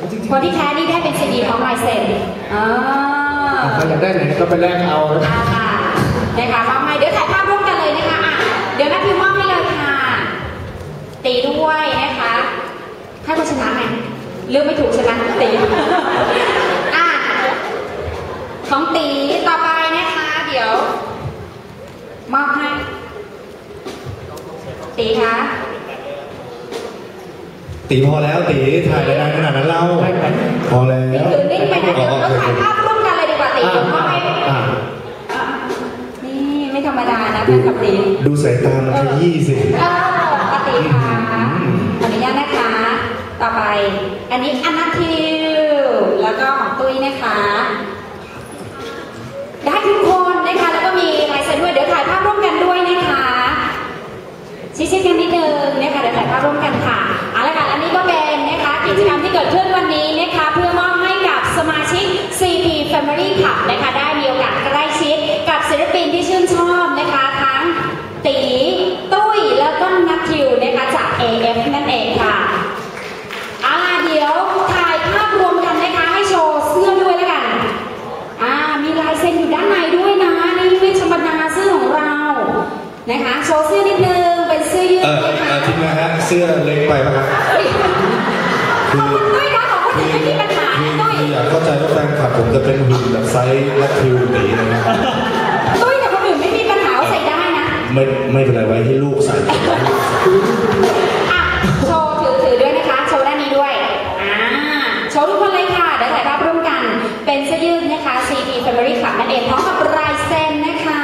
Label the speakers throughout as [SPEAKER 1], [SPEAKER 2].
[SPEAKER 1] คนที่แท้นี่ได้เป็นซีดีของลายเซ็น
[SPEAKER 2] ใครอยากได้ไหนก็ไปแลกเอา
[SPEAKER 1] นะคะมอบให้เดี๋ยวถ่ายภาพร่วมกันเลยนะคะเดี๋ยวแม่พิมพ์มอบให้เลยค่ะตีด้วยนะคะให้คนชนะไหมเลือกไม่ถูกชนะตีของตีต่อไปนะคะเดี๋ยวมอบให้ตีคะ
[SPEAKER 3] ตีพอแล้วตีถ่ายรายการขนาดนั้นเล่าพอแล้ว
[SPEAKER 1] ตื่นนิ่งไปนะเดี๋ยวเราถ่ายภาพร่วมกันเลยดีกว่าตีมอบให้นี่ไม่ธรรมดานะเพื่อนกับตี
[SPEAKER 3] ดูสายตามันขยี้สิ
[SPEAKER 1] ปฏิค่ะขออนุญาตนะคะต่อไปอันนี้อนัททิวแล้วก็ของตุ้ยนะคะได้ทุกคนนะคะแล้วก็มีลายเซ็นด้วยเดี๋ยวถ่ายภาพร่วมกันด้วยนะคะชี้ๆกันนิดนึงนะคะเดี๋ยวถ่ายภาพร่วมกันค่ะเอาละค่ะอันนี้ก็เป็นนะคะกิจกรรมที่เกิดขึ้นวันนี้นะคะเพื่อมอบให้กับสมาชิก CP Family Club นะคะได้มีโอกาสใกล้ชิดกับศิลปินที่ชื่นชอบนะคะทั้งตีตุ้ยแล้วก็นัททิวนะคะจาก AF นั่นเองค่ะเดี๋ยวถ่ายภาพรวมกันนะคะให้โชว์เสื้อด้วยแล้วกันมีลายเซ็นอยู่ด้านในด้วยนะนี่ไม่ธรรมดาเสื้อของเรานะคะโชว์เสื้อนิดนึงเป็นเสื้อยืด
[SPEAKER 3] นะคะจริงนะฮะเสื้อเล็กไปป่ะครับ
[SPEAKER 1] ด้วยนะของคนอื่นไม่มีปัญหาด้วย
[SPEAKER 3] อยากเข้าใจว่าแฟนคลับผมจะเป็นหุ่นแบบไซส์และคิวหนีเลยนะ
[SPEAKER 1] ด้วยแต่คนอื่นไม่มีปัญหาใส่ได้นะ
[SPEAKER 3] ไม่เป็นไรไว้ให้ลูกใส่
[SPEAKER 1] โชว์ถือด้วยนะคะโชว์ด้านนี้ด้วยโชว์ทุกคนเลยค่ะเดี๋ยวถ่ายภาพร่วมกันเป็นเสื้อยืดนะคะ CP Family Club นั่นเองพร้อมกับลายเซ็นนะคะ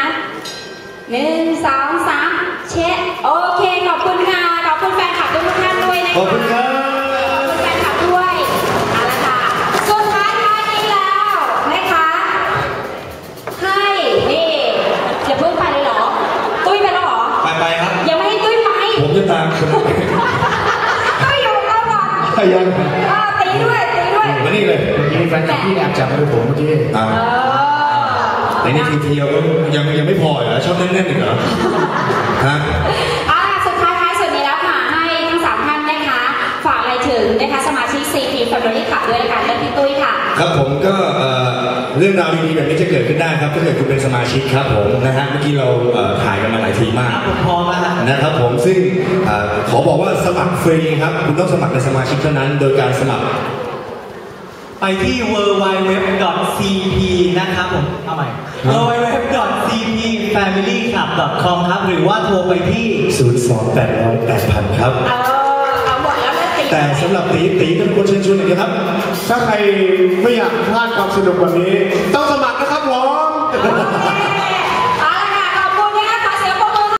[SPEAKER 1] 1 2 3เช็คโอเคขอบคุณค่ะขอบคุณแฟนคลับทุกท่านด้วยนะคะ
[SPEAKER 3] ขอบคุณครับ
[SPEAKER 1] ขอบคุณแฟนคลับด้วยเอาละค่ะสุดท้ายนี้แล้วนะคะให้นี่อย่าเพิ่งไปเลยเหรอตุ้ยไปแล้วเหรอ
[SPEAKER 3] ไปครับ
[SPEAKER 1] ยังไม่ให้ตุ้ยไป
[SPEAKER 3] ผมจะตามคุณ
[SPEAKER 1] ตุ้ยอยู่แล้วก่อน
[SPEAKER 3] ยัง
[SPEAKER 1] ตีด้วย
[SPEAKER 3] มานี่เลย
[SPEAKER 2] มีแฟนคลับที่แอบจับมือผมเมื่อกี้
[SPEAKER 3] ในนี้ทีเดียวยังไม่พอเหรอชอบแน่นๆอีกเหรอฮะ
[SPEAKER 1] สุดท้ายสุดนี้แล้วค่ะให้ทั้ง3ท่านนะคะฝากอะไรถึงนะคะสมาชิก CP Family Club ด้วยกันและพี่ตุ้ยค่ะ
[SPEAKER 3] ครับผมก็เรื่องราวดีๆแบบนี้จะเกิดขึ้นได้ครับถ้าเกิดคุณเป็นสมาชิกครับผมนะฮะเมื่อกี้เราถ่ายกันมาหลายทีมาก
[SPEAKER 2] พอแล้ว
[SPEAKER 3] นะครับผมซึ่งขอบอกว่าสมัครฟรีครับคุณต้องสมัครเป็นสมาชิกเท่านั้นโดยการสมัคร
[SPEAKER 2] ไปที่ www.cp นะครับผมเอาใหม่ www.cpfamilyclub.com ครับหรือว่าโทรไปที่
[SPEAKER 3] 02-800-8000ครับ
[SPEAKER 1] เอาหมดแล้วนะ
[SPEAKER 3] แต่สำหรับตีเป็นคนเชิญชวนอย่างนี้ครับ
[SPEAKER 2] ถ้าใครไม่อยากพลาดความสนุกแบบนี้ต้อง